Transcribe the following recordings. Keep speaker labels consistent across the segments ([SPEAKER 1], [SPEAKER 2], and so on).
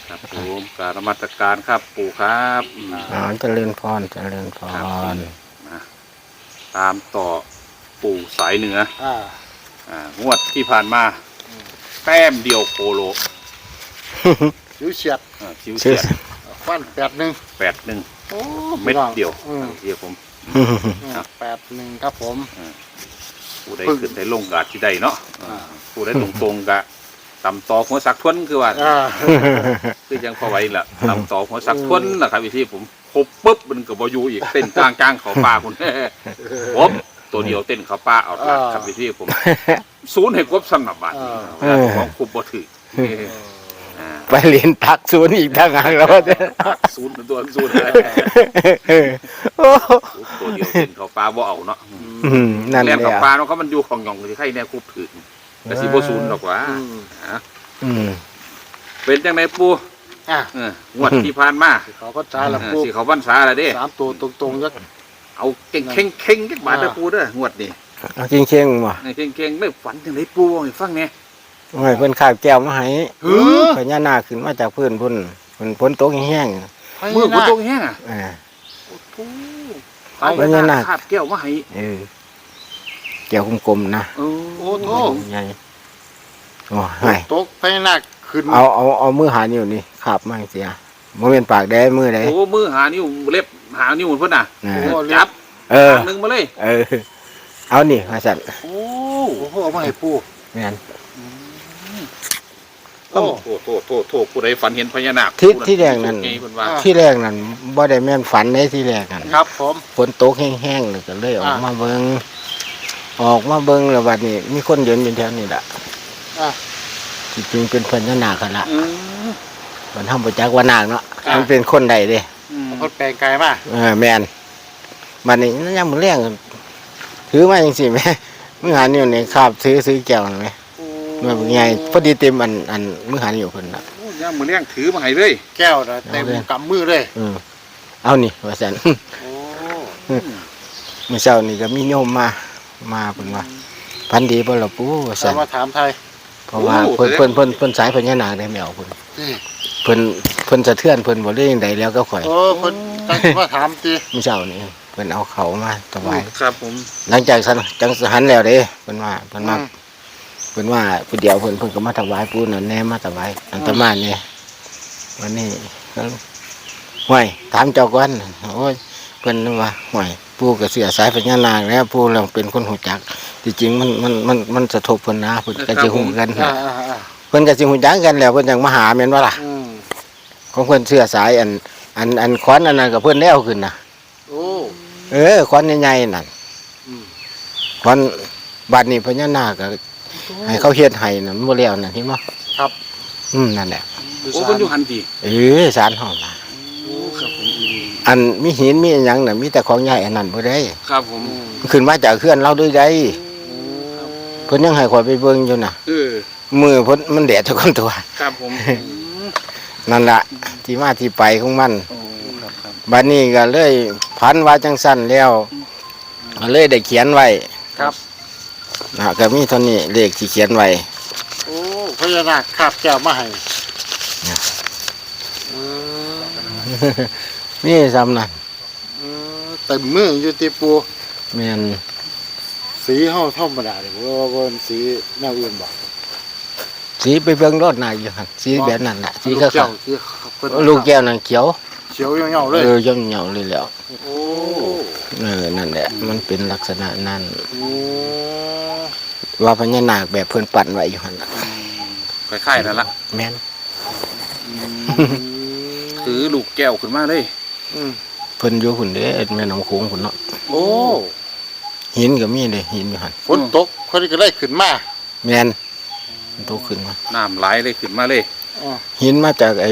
[SPEAKER 1] ครับผมกรารนมัสการครับปู่ครับ
[SPEAKER 2] เจริญพรเจริญพร
[SPEAKER 1] นะตามต่อปู่สายเหนืองวดที่ผ่านมาแต้มเดียวโคโล
[SPEAKER 3] ชิวเฉียด
[SPEAKER 1] ชิวเฉียด
[SPEAKER 3] ฟัน8-1
[SPEAKER 1] โอ้เม็ดเดียวเดียวผม
[SPEAKER 3] 8-1ครับผม
[SPEAKER 1] ผู้ใดขึ้นได้ลงกาที่ใดเนาะผู้ใดตรงๆกะตำต่อหัวสักทวนคือว่าคือยังพอไหวละตำต่อหัวสักทวนนะครับวิธีผมครบปุ๊บมันก็บอยู่อีกเต้นจ้างเขาป่าคุณผมตัวเดียวเต้นเขาป่าเอาละครับวิธีผมศูนย์ให้ครบสำหรับบัตรของคุบบ่ถือ
[SPEAKER 2] ไปเรียนตักศูนย์อีกทางหางแล้ว
[SPEAKER 1] ศูนย์ตัวศูนย์ตัวเดียวเต้นเขาป่าบ่เอาเนาะ
[SPEAKER 2] นั่นแหละ
[SPEAKER 1] เขาป่าเนาะเขามันอยู่ของหย่องที่ใครแน่คุบถือแต่สิบ่ศูนย์หรอกว่าเป็นจังไหนปูงวดที่ผ่านมา
[SPEAKER 3] เขาพรรษาละปู
[SPEAKER 1] สิเขาพรรษาละเด้
[SPEAKER 3] 3ตัวตรงๆจัก
[SPEAKER 1] เอาเข่งจักบาทเด้อปูเด้องวดนี้
[SPEAKER 2] เอาเข่งบ่
[SPEAKER 1] เข่งไม่ฝันจังไดปูให้ฟังแหน่
[SPEAKER 2] โอ้ยเพิ่นข้าวแก้วมาให้พญานาคขึ้นมาจากพื้นพุ่นฝนตกแห้ง
[SPEAKER 1] มื้อฝนตกแห้งพญานาคคาบแก้วมาให้
[SPEAKER 2] แก้วกลมๆนะ
[SPEAKER 3] โอ้โธ่
[SPEAKER 2] ใหญ่โอ้ย
[SPEAKER 3] ตกพญานาคขึ้น
[SPEAKER 2] เอามือหานิ้วนี่คาบมาเสียบ่เป็นปากแดงมือใด
[SPEAKER 1] โอ้มือหานิ้วเล็บหานิ้วเพิ่นน่ะจับนึงมาเลย
[SPEAKER 2] เอานี่ว่าซั่น
[SPEAKER 3] โอ้โหเอามาให้ปู่
[SPEAKER 2] แม่น
[SPEAKER 1] โอ้โธ่ผู้ใดฝันเห็นพญานาค
[SPEAKER 2] ที่แรกนั่นบ่ได้แม่นฝันในที่แรกนั่น
[SPEAKER 3] ครับผม
[SPEAKER 2] ฝนตกแห้งๆเลยก็เลยออกมาเบิ่งแล้วบัดนี้มีคนเดินอยู่แถวนี้ล่ะจริงๆเป็นพญานาคกันละมันทำประจักษ์ว่านาคเนาะมันเป็นคนใดเด้
[SPEAKER 3] คนแปลงกายมา
[SPEAKER 2] แม่นบัดนี้ยังมื้อแรงถือมาจังซี่แม่มื้อหานิ้วนี่คาบซื้อแก้วนั่นแหมมันเป็นไงพอดีเต็มอันมื้อหานิ้วเพิ่นน่ะ
[SPEAKER 1] ยังมื้อแรงถือมาให้เลย
[SPEAKER 3] แก้วน่ะเต็มกำมือเลย
[SPEAKER 2] เอานี่ว่าซั่นโอ้มื้อเช้านี่ก็มีโยมมาเพิ่นว่าพันดีบ่ล่ะปู่ว่าซั่น
[SPEAKER 3] มาถามไทย
[SPEAKER 2] เพราะว่าเพิ่นสายพญานาคได้แมวเพิ่นสะเทือนเพิ่นบ่ได้จังไดแล้วก็ข่อย
[SPEAKER 3] เพิ่นตั้งมาถามติ
[SPEAKER 2] มื้อเช้านี่เพิ่นเอาเขามาถวาย
[SPEAKER 1] ครับผม
[SPEAKER 2] หลังจากจังหันแล้วเด้เพิ่นว่าผู้เดียวเพิ่นก็มาถวายปู่นั่นแน่มาถวายอัตมานี่วันนี้ห้วยถามเจ้าก่อนโอ้ยเพิ่นว่าห้วยปู่ก็เสียสายพญานาคแล้วปู่เราเป็นคนหูจักจริงๆมันสะทบเพิ่นนะเพิ่นก็สิฮู้กันเพิ่นก็สิฮู้จักกันแล้วเพิ่นจังมาหาแม่นบ่ล่ะของเพิ่นเสื้อสายอันขวัญอันนั้นก็เพิ่นแล้วขึ้นน่ะ
[SPEAKER 3] โอ้
[SPEAKER 2] ขวัญใหญ่ๆนั่นขวัญบัดนี้พญานาคก็ให้เขาเฮ็ดให้นั่นบ่แล้วนั่นเห็นบ่
[SPEAKER 3] ครับ
[SPEAKER 2] นั่นแหละ
[SPEAKER 1] โอ้เพิ่นอยู่หั่นติ
[SPEAKER 2] ศาลเฮาล่ะ
[SPEAKER 1] ครับผม
[SPEAKER 2] อันมีหินมีหยังน่ะมีแต่ของใหญ่อันนั้นบ่ได้
[SPEAKER 1] ครับผม
[SPEAKER 2] ขึ้นมาจากเขื่อนเราด้วยได้เพิ่นยังให้ข่อยไปเบิ่งอยู่น่ะมือเพิ่นมันแดดทุกคนตัว
[SPEAKER 1] ครับผม
[SPEAKER 2] นั่นล่ะที่มาที่ไปของมันบัดนี้ก็เลยพันว่าจังซั่นแล้วก็เลยได้เขียนไว้
[SPEAKER 3] ครับ
[SPEAKER 2] ก็มีเท่านี้เลขที่เขียนไว้
[SPEAKER 3] โอ้พญานาคคาบแก้วมาให้
[SPEAKER 2] นี่ซ้ำนั่น
[SPEAKER 3] เต็มมืออยู่ติปู่
[SPEAKER 2] แม่น
[SPEAKER 3] สีเฮาธรรมดาเด้บ่ว่าสีแนวอื่นบ่
[SPEAKER 2] สีไปเบิ่งรถน่ะอยู่หั่นสีแบบนั้นน่ะสีก็ลูกแก้วนั่นเขียว
[SPEAKER 3] เหี่ยวๆเลย
[SPEAKER 2] เหี่ยวๆเลยแล้ว
[SPEAKER 3] โอ้
[SPEAKER 2] นั่นแหละมันเป็นลักษณะนั้นว่าพญานาคแบบเพิ่นปั่นไว้อยู่หั่นน่ะ
[SPEAKER 1] คล้ายๆนั่นล่ะ
[SPEAKER 2] แม่น
[SPEAKER 1] ถือลูกแก้วขึ้นมาเลย
[SPEAKER 2] เพิ่นอยู่หุ่นเด้แม่น้ำโขงหุ่นเนาะ
[SPEAKER 3] โอ้
[SPEAKER 2] หินก็มีเด้หินอยู่หั่น
[SPEAKER 3] ฝนตกคนก็ได้ขึ้นมา
[SPEAKER 2] แม่นตกขึ้นมา
[SPEAKER 1] น้ำไหลเลยขึ้นมาเลย
[SPEAKER 2] หินมาจากไอ้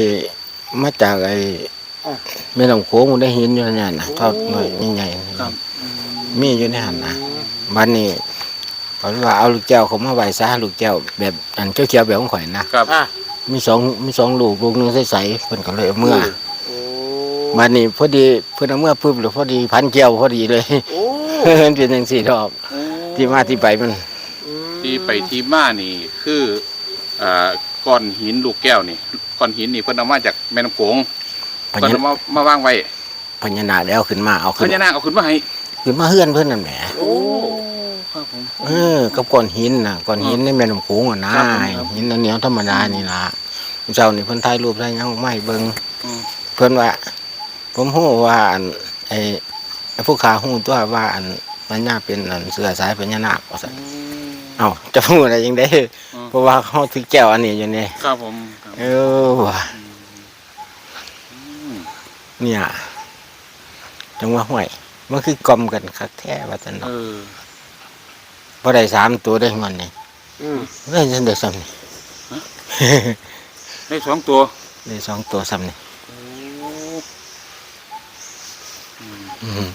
[SPEAKER 2] แม่น้ำโขงมันได้หินอยู่นั่นน่ะเท่าหน่อยใหญ่ๆมีอยู่ในหั่นน่ะบัดนี้เขาว่าเอาลูกแก้วเขามาไหว้ซะลูกแก้วแบบอันเขียวๆแบบของข่อยนะครับมีสองลูกนึงใสๆเพิ่นก็เลยเอาเมื่อบัดนี้พอดีเพิ่นเอาเมื่อปุ๊บหรือพอดีพันแก้วพอดีเลยมันเป็นจังซี่ดอกที่มาที่ไปมัน
[SPEAKER 1] ที่ไปที่มานี่คือก้อนหินลูกแก้วนี่ก้อนหินนี่เพิ่นเอามาจากแม่น้ำโขง
[SPEAKER 2] พ
[SPEAKER 1] เพิ่น
[SPEAKER 2] ญา
[SPEAKER 1] เอามาวางไว้
[SPEAKER 2] พญานาคแล้วขึ้นมาเอา
[SPEAKER 1] พ
[SPEAKER 2] ขึ้น
[SPEAKER 1] ญานาคเอาขึ้นมาให้
[SPEAKER 2] ขึ้นมาเฮือนเพิ่นนั่นแหม
[SPEAKER 1] โอ้ครับผม
[SPEAKER 2] กับก้อนหินน่ะก้อนหินในแม่น้ำโขงอ่ะนะครับ
[SPEAKER 1] ผมครับ
[SPEAKER 2] หินอันเหนียวธรรมดานี่ล่ะเจ้านี่เพิ่นถ่ายรูปได้ยังไม่เบิ่ง
[SPEAKER 1] อืม
[SPEAKER 2] เพิ่นว่า ผมฮู้ว่าอันไอ้ผู้ขาฮู้ตัวว่าอันพญาเป็นอันเสือสายพญานาคว่าซั่นเอ้าจะพูดอะไรยังได้เพราะว่าเขาถือแก้วอันนี้อยู่นี่
[SPEAKER 1] ครับผมครับ
[SPEAKER 2] ว่ะ
[SPEAKER 1] อืม
[SPEAKER 2] เนี่ยจังว่าห่วยมันคือกลมกันคักแท้ว่าซั่น
[SPEAKER 1] เอ
[SPEAKER 2] เนาะ
[SPEAKER 1] อ
[SPEAKER 2] บ่ได้3 ตัวได้มันนี่
[SPEAKER 3] อืม
[SPEAKER 2] ได้จังได้ซ้ำนี่
[SPEAKER 1] ได้2 ตัว
[SPEAKER 2] ได้2 ตัวซ้ำนี่
[SPEAKER 1] โอ้
[SPEAKER 2] อืม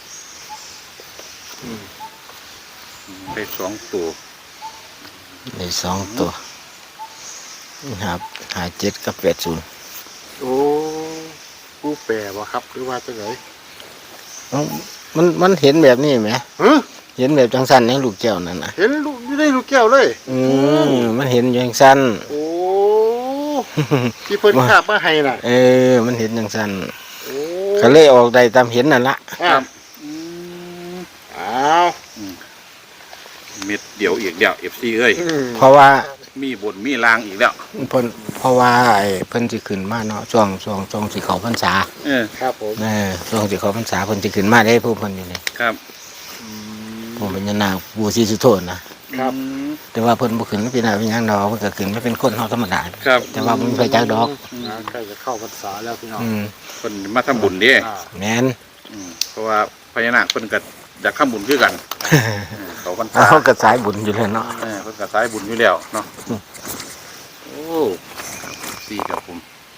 [SPEAKER 1] ได้2 ตัว
[SPEAKER 2] ได้2 ตัวครับ57กับ80
[SPEAKER 3] โอ้ผู้แปรบ่ครับหรือว่าจังได
[SPEAKER 2] เอ้ามันเห็นแบบนี้ไหม
[SPEAKER 3] ฮะ
[SPEAKER 2] เห็นแบบจังสั้นในลูกแก้วนั่นน่ะ
[SPEAKER 3] เห็นลูกอยู่ในลูกแก้วเลย
[SPEAKER 2] มันเห็นอย่างสั้น
[SPEAKER 3] โอ้ที่เพิ่นคาบมาให้น่ะ
[SPEAKER 2] มันเห็นอย่างสั้น
[SPEAKER 3] โอ้
[SPEAKER 2] ก็เลยออกได้ตามเห็นนั่นละ
[SPEAKER 3] อ่ะ
[SPEAKER 1] อืม
[SPEAKER 3] อ้าว
[SPEAKER 1] เม็ดเดียวอีกแล้ว FC เอ้ย
[SPEAKER 2] เพราะว่า
[SPEAKER 1] มีบนมีลางอีกแล้ว
[SPEAKER 2] เพราะว่าไอ้เพิ่นสิขึ้นมาเนาะช่วงสิเข้าพรรษา
[SPEAKER 1] เออ
[SPEAKER 3] ครับผม
[SPEAKER 2] ช่วงสิเข้าพรรษาเพิ่นสิขึ้นมาได้ผู้เพิ่นอยู่นี่
[SPEAKER 1] ครับ
[SPEAKER 2] ผู้เป็นยานาคบูศรีสุโธนะครับ
[SPEAKER 1] อืม
[SPEAKER 2] แต่ว่าเพิ่นบ่ขึ้นเป็นหน้าเป็นหยังดอกเพิ่นก็ขึ้นมาเป็นคนเฮาธรรมดา
[SPEAKER 1] ครับ
[SPEAKER 2] แต่ว่าบ่มีไฟจักดอก
[SPEAKER 3] ใกล้จะเข้าพรรษาแล้วพี่น้อง
[SPEAKER 1] เพิ่นมาทำบุญเด้
[SPEAKER 3] อ่า
[SPEAKER 2] แม่น
[SPEAKER 1] เพราะว่าพญานาคเพิ่นก็อยากทำบุญคือกันเขาพรรษา
[SPEAKER 2] เฮาก็สายบุญอยู่แล้วเนาะ
[SPEAKER 1] เพิ่นก็สายบุญอยู่แล้วเนาะโอ้ครับสี่ครับผม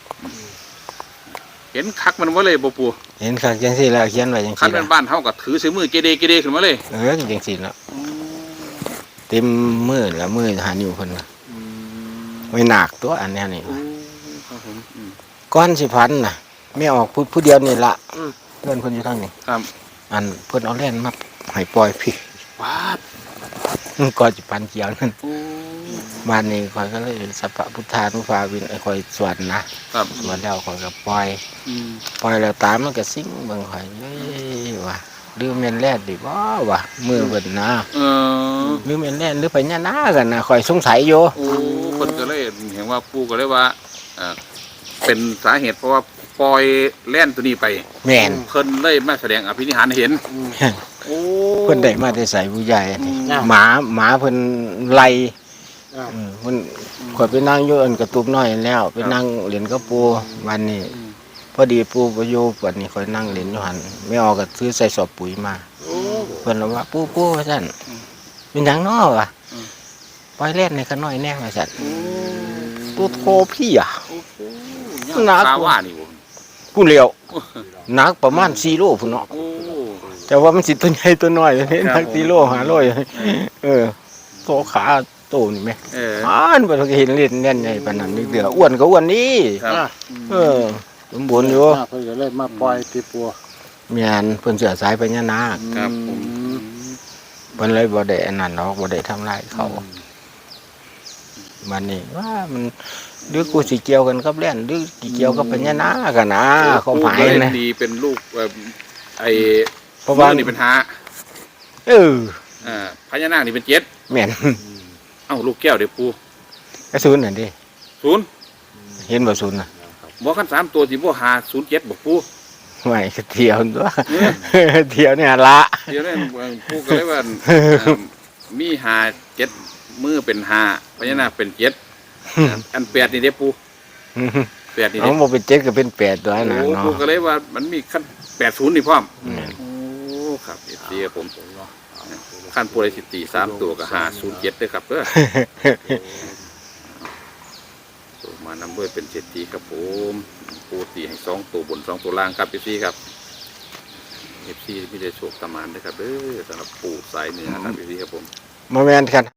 [SPEAKER 1] เห็นคักมันบ่เลยบ่ปู่
[SPEAKER 2] เห็นคักจังซี่แล้วเขียนไว้จัง
[SPEAKER 1] คัน
[SPEAKER 2] ซี่
[SPEAKER 1] เป็
[SPEAKER 2] ล่ะ
[SPEAKER 1] นบ้านเฮาก็ถือซื้อมือเกเรขึ้นมาเลย
[SPEAKER 2] จังซี่เนาะเต็มมือละมือหานิ้วเพิ่นน่ะไว้หนักตัวอันเนี้ยนี่
[SPEAKER 1] ครับผม
[SPEAKER 2] ก้อนสิพันน่ะไม่ออกผู้เดียวนี่ละเพื่อนคนอยู่ทางนี้
[SPEAKER 1] ครับ
[SPEAKER 2] อันเพิ่นเอาแล่นมาให้ปล่อยพี่
[SPEAKER 1] ว้าด
[SPEAKER 2] ก้อนสิพันเกี่ยวนั่น
[SPEAKER 1] โอ้
[SPEAKER 2] บ้านนี้ข่อยก็เลยสัพพะพุทธานุภาวินไอ้ข่อยสวดนะครับ สวดแล้วข่อยก็ปล่อย
[SPEAKER 1] อืม
[SPEAKER 2] ปล่อยแล้วตามมันก็ซิ่งเบิ่งข่อยเอ้ยว่ะหรือแม่นแล่นดิบ่วะมือเพิ่นนะ
[SPEAKER 1] เออ
[SPEAKER 2] หรือแม่นแล่นหรือไปญานากันนะข่อยสงสัยอยู่
[SPEAKER 1] โอ้เพิ่นก็เลยเห็นว่าปู่ก็เลยว่าเป็นสาเหตุเพราะว่าปล่อยแล่นตัวนี้ไป
[SPEAKER 2] แม่น
[SPEAKER 1] เพิ่นเลยมาแสดงอภินิหารให้เห็น โอ้
[SPEAKER 2] เพิ่นได้มาได้ใส่ผู้ใหญ่นี่
[SPEAKER 3] อืม
[SPEAKER 2] หมาเพิ่นไล่
[SPEAKER 3] อ่า
[SPEAKER 2] มันข่อยไปนั่งอยู่อันกระตุบน้อยแล้วไปนั่งเล่นกับปูวันนี้พอดีปูไปอยู่วันนี้ข่อยนั่งเล่นอยู่หันไม่ออกก็ซื้อใส่สอบปุ๋ยมา
[SPEAKER 3] โอ้
[SPEAKER 2] เพิ่นเลยว่าปูว่าซั่นเป็นหยังน้อวะปล่อยเล่นในขน้อยแน่ว่าซั่นตัวโทพี่อ่ะ หนัก
[SPEAKER 1] คาว่านี่บ่
[SPEAKER 2] ผู้เลี้ยวหนักประมาณ4 โลพุ่นเนาะ
[SPEAKER 1] โอ้
[SPEAKER 2] แต่ว่ามันสิตัวใหญ่ตัวน้อยนี่
[SPEAKER 1] ครับ
[SPEAKER 2] หนัก4 โล5 โลโตขาโตนี่แม่
[SPEAKER 1] เออ
[SPEAKER 2] บ่เคยเห็นเล่นแน่นใหญ่ปานนั้นนี่เด้ออ้วนก็อ้วนนี่
[SPEAKER 1] ครับ
[SPEAKER 3] อ่ะ
[SPEAKER 2] สมบูรณ์อยู่
[SPEAKER 3] เพิ่นก็เลยมาปล่อยที่ปัว
[SPEAKER 2] แม่นเพิ่นเสือสายพญานาค
[SPEAKER 1] ครับผม
[SPEAKER 2] เพิ่นเลยบ่ได้อันนั้นหรอกบ่ได้ทำลายเขาบัดนี้ว่ามันหรือกูสิเกี่ยวกันกับแล่นหรือสิเกี่ยวกับพญานาคกันนะเขาหมาย
[SPEAKER 1] ปู่ก็เลย
[SPEAKER 2] นะ
[SPEAKER 1] ดีเป็นลูกไอ้
[SPEAKER 2] เพราะว่า
[SPEAKER 1] มือนี่เป็นห้า
[SPEAKER 2] เออ
[SPEAKER 1] พญานาคนี่เป็นเจ็ด
[SPEAKER 2] แม่น
[SPEAKER 1] เอ้าลูกแก้วเดี๋ยวปู่
[SPEAKER 2] กระสุนนั่นดิ
[SPEAKER 1] ศูนย์
[SPEAKER 2] เห็นบ่ศูนย์น่ะ
[SPEAKER 1] บ่คัน3ตัวสิบ่หา07บ่ปู่
[SPEAKER 2] ไม่ก็เที่ยวตัวเที่ยวเนี่ยละ
[SPEAKER 1] เดี๋ยวนี้ปู่ก็เลยว่ามีหา7มือเป็นห้าพญานาคเป็น7อัน8นี่เด้ปู่8นี่
[SPEAKER 2] เอา
[SPEAKER 1] เด้
[SPEAKER 2] บ่เป็น7ก็เป็น8ตัวนั่น
[SPEAKER 1] โอ้
[SPEAKER 2] เนาะ
[SPEAKER 1] ปู่ก็เลยว่ามันมีขั้น80นี่พร้อม
[SPEAKER 2] แม่น
[SPEAKER 1] โอ้ครับเสียผมขั้นปูไรสิตี3ตัวกับ507ด้วยครับเด้อตัวมานำเบอร์เป็น7 ครับผมปูตีให้2ตัวบน2ตัวล่างครับพี่ครับพี่ได้โชคตามานด้วยครับเด้อสำหรับปูสายเหนือครับพี่ครับผม
[SPEAKER 2] มาแม่นกัน